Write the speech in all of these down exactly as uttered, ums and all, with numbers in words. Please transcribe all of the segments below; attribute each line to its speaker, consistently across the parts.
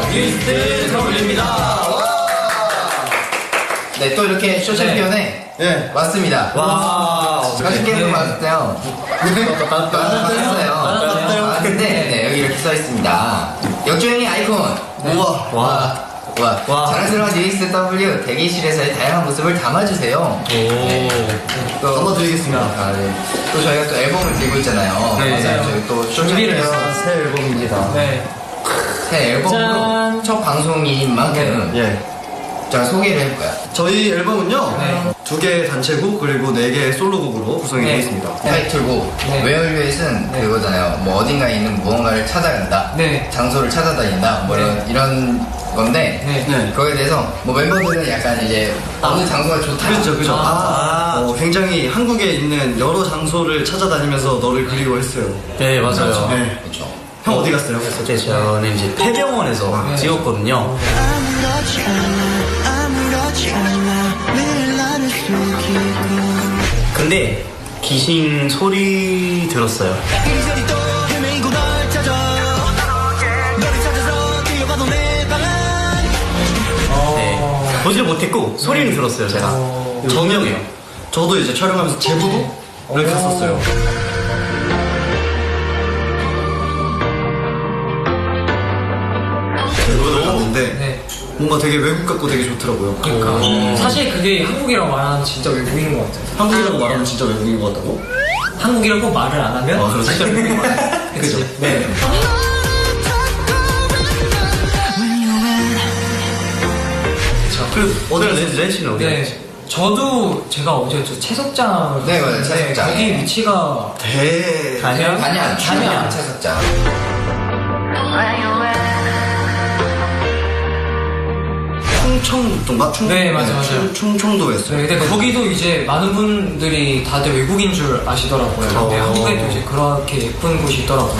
Speaker 1: 뉴이스트 더블유입니다.
Speaker 2: 네, 또 이렇게 쇼챔피언에
Speaker 3: 네.
Speaker 2: 왔습니다.
Speaker 1: 와.
Speaker 2: 가족 게임을 왔어요. 왔어요. 왔는데 네, 여기 이렇게 써 있습니다. 역주행의 아이콘.
Speaker 3: 우와.
Speaker 2: 와. 와.
Speaker 1: 와.
Speaker 2: 자랑스러운 뉴이스트 더블유 대기실에서의 다양한 모습을 담아주세요. 네. 또
Speaker 3: 담아드리겠습니다.
Speaker 2: 아, 네. 또 저희가 또 앨범을 들고 있잖아요.
Speaker 1: 네.
Speaker 2: 맞아요. 저희 또
Speaker 1: 준비를
Speaker 2: 쇼챔피언
Speaker 1: 했어요.
Speaker 3: 새 앨범입니다.
Speaker 1: 네.
Speaker 2: 새 앨범으로
Speaker 1: 짠.
Speaker 2: 첫 방송인 만큼
Speaker 3: 예.
Speaker 2: 제가 소개를 해볼까요?
Speaker 3: 저희 앨범은요.
Speaker 1: 네.
Speaker 3: 두 개의 단체곡 그리고 네 개의 솔로곡으로 구성이
Speaker 1: 네.
Speaker 3: 되어 있습니다.
Speaker 2: 타이틀곡
Speaker 1: 네.
Speaker 2: 웨어유엣은
Speaker 1: 네.
Speaker 2: 그거잖아요. 뭐 어딘가에 있는 무언가를 찾아간다.
Speaker 1: 네.
Speaker 2: 장소를 찾아다닌다. 뭐 이런, 이런 건데
Speaker 1: 네.
Speaker 3: 네.
Speaker 2: 거기에 대해서 뭐 멤버들은 약간 이제 어느 장소가 좋다.
Speaker 3: 그렇죠, 그렇죠.
Speaker 1: 아.
Speaker 3: 어, 굉장히 한국에 있는 여러 장소를 찾아다니면서 너를 그리워했어요.
Speaker 4: 네, 맞아요.
Speaker 2: 그렇죠.
Speaker 3: 네.
Speaker 2: 그렇죠.
Speaker 3: 형 어디 갔어요?
Speaker 4: 네, 저는 이제 폐병원에서
Speaker 1: 네.
Speaker 4: 찍었거든요.
Speaker 5: 아무렇지 않아 아무렇지 않아 늘 나를 숨기고
Speaker 4: 근데 귀신 소리 들었어요.
Speaker 5: 이리저리 또 헤매이고 널 찾아 너를 찾아서 뛰어가도 내 방안
Speaker 4: 네. 보지를 못했고 소리는 들었어요, 제가. 저명해요.
Speaker 3: 저도 이제 촬영하면서 제부도를 갔었어요. 제부도 갔는데
Speaker 1: 네.
Speaker 3: 뭔가 되게 외국 같고 되게 좋더라고요.
Speaker 1: 그러니까 사실 그게 한국이라고 말하면 진짜 외국인 것 같아요.
Speaker 3: 한국이라고 말하면 진짜 외국인 것 같다고?
Speaker 1: 한국이라고 말을 안 하면
Speaker 3: 아, 그렇죠.
Speaker 1: 진짜 외국인 것 같아요. 그치? 네.
Speaker 4: 그, 어디가 렌 씨는 어디야?
Speaker 1: 네. 저도 제가 어제였죠? 채석장.
Speaker 2: 네, 맞아요. 채석장.
Speaker 1: 거기 위치가
Speaker 3: 대...
Speaker 4: 단양?
Speaker 2: 단양,
Speaker 1: 단양.
Speaker 2: 단양 채석장.
Speaker 3: 충청도인가? 충...
Speaker 1: 네, 맞아, 맞아요.
Speaker 3: 충, 충청도였어요.
Speaker 1: 네, 근데 거기도 이제 많은 분들이 다들 외국인 줄 아시더라고요. 근데
Speaker 3: 어.
Speaker 1: 한국에도 이제 그렇게 예쁜 곳이 있더라고요.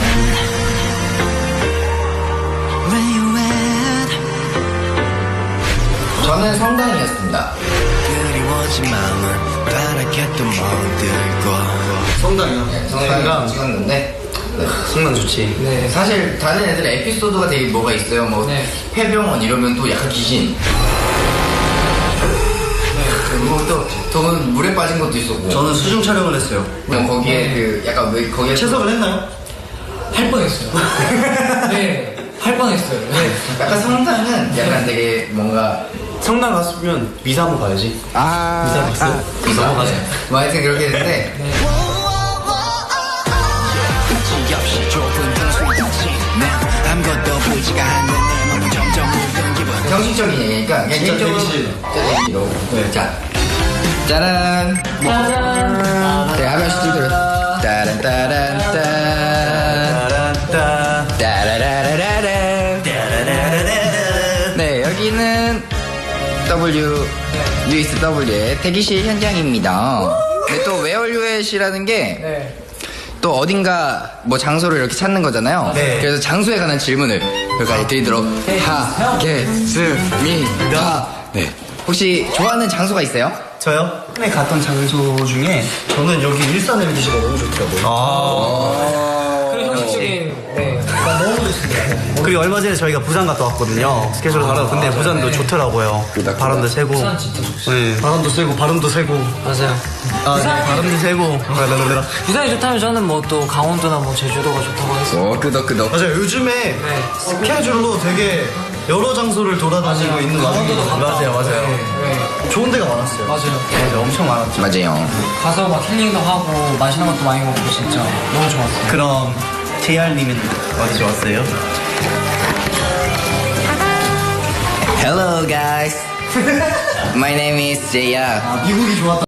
Speaker 2: 저는 성당이었습니다.
Speaker 5: 그리워진 마음을 바라겠던 멍들고
Speaker 3: 성당이요?
Speaker 2: 네, 성당 찍었는데 네.
Speaker 4: 성난 좋지.
Speaker 1: 네.
Speaker 2: 사실 다른 애들 에피소드가 되게 뭐가 있어요. 뭐
Speaker 1: 네.
Speaker 2: 폐병원 이러면 또 약간 귀신. 그리고 또 저는 물에 빠진 것도 있었고.
Speaker 3: 저는 수중 촬영을 했어요.
Speaker 2: 그냥 거기에 그 약간 왜 거기에
Speaker 3: 채석을 했나요?
Speaker 1: 할 뻔했어요. 네. 할 뻔했어요. 네.
Speaker 2: 약간 성당은 약간 되게 뭔가
Speaker 4: 성당 갔으면 미사 한번 가야지.
Speaker 2: 아
Speaker 4: 미사 갔어요? 미사 한번 가자.
Speaker 2: 뭐 하여튼 그렇게 했는데
Speaker 5: 지없이 좁은 등수의 닫힌 난 아무것도 보이지가 않는 내 몸은 점점 무거운 기분
Speaker 2: 형식적인 얘기니까 그냥
Speaker 3: 진짜
Speaker 2: 개인적으로
Speaker 3: 대기실.
Speaker 2: 대기실로.
Speaker 3: 네.
Speaker 2: 자 짜란
Speaker 1: 짜잔.
Speaker 2: 네 하나씩 들려 따란 따란 딴
Speaker 4: 따란따.
Speaker 2: 따라라라라라 네 여기는 W 뉴이스트 W의 대기실 현장입니다. 근데 또 웨어유엣이라는 게 또
Speaker 1: 네.
Speaker 2: 어딘가 뭐 장소를 이렇게 찾는 거잖아요.
Speaker 4: 네.
Speaker 2: 그래서 장소에 관한 질문을 여기까지 드리도록 하겠습니다. 네. 혹시 좋아하는 장소가 있어요?
Speaker 4: 저요? 최근에 갔던 장소 중에
Speaker 3: 저는 여기 일산 엠비씨가 너무 좋더라고요.
Speaker 4: 아.
Speaker 1: 그리고 형식적인, 네. 나 너무 좋습니다.
Speaker 4: 그리고 얼마 전에 저희가 부산 갔다 왔거든요. 스케줄 하러. 근데 부산도
Speaker 1: 네.
Speaker 4: 좋더라고요. 바람도 세고.
Speaker 1: 부산 진짜 좋습니다.
Speaker 4: 네.
Speaker 3: 바람도 세고 바람도 세고.
Speaker 1: 맞아요.
Speaker 4: 아, 네. 바람도 세고.
Speaker 1: 부산이 좋다면 저는 뭐 또 강원도나 뭐 제주도가 좋다고 했어요.
Speaker 2: 오 끄덕끄덕.
Speaker 3: 맞아요. 요즘에
Speaker 1: 네.
Speaker 3: 스케줄로 되게 여러 장소를 돌아다니고
Speaker 1: 맞아요.
Speaker 3: 있는
Speaker 1: 강원도도
Speaker 3: 와중에
Speaker 1: 갔다
Speaker 4: 맞아요,
Speaker 1: 왔고.
Speaker 4: 맞아요.
Speaker 1: 네. 네.
Speaker 3: 좋은 데가 많았어요.
Speaker 1: 맞아요.
Speaker 4: 맞아, 엄청 많았죠.
Speaker 2: 맞아요.
Speaker 1: 가서 막 힐링도 하고 맛있는 것도 많이 먹고 진짜 너무 좋았어요.
Speaker 4: 그럼 제이알님은 어디 좋았어요?
Speaker 2: Hello guys. My name is Jaya.
Speaker 3: 아, 미국이 좋았다.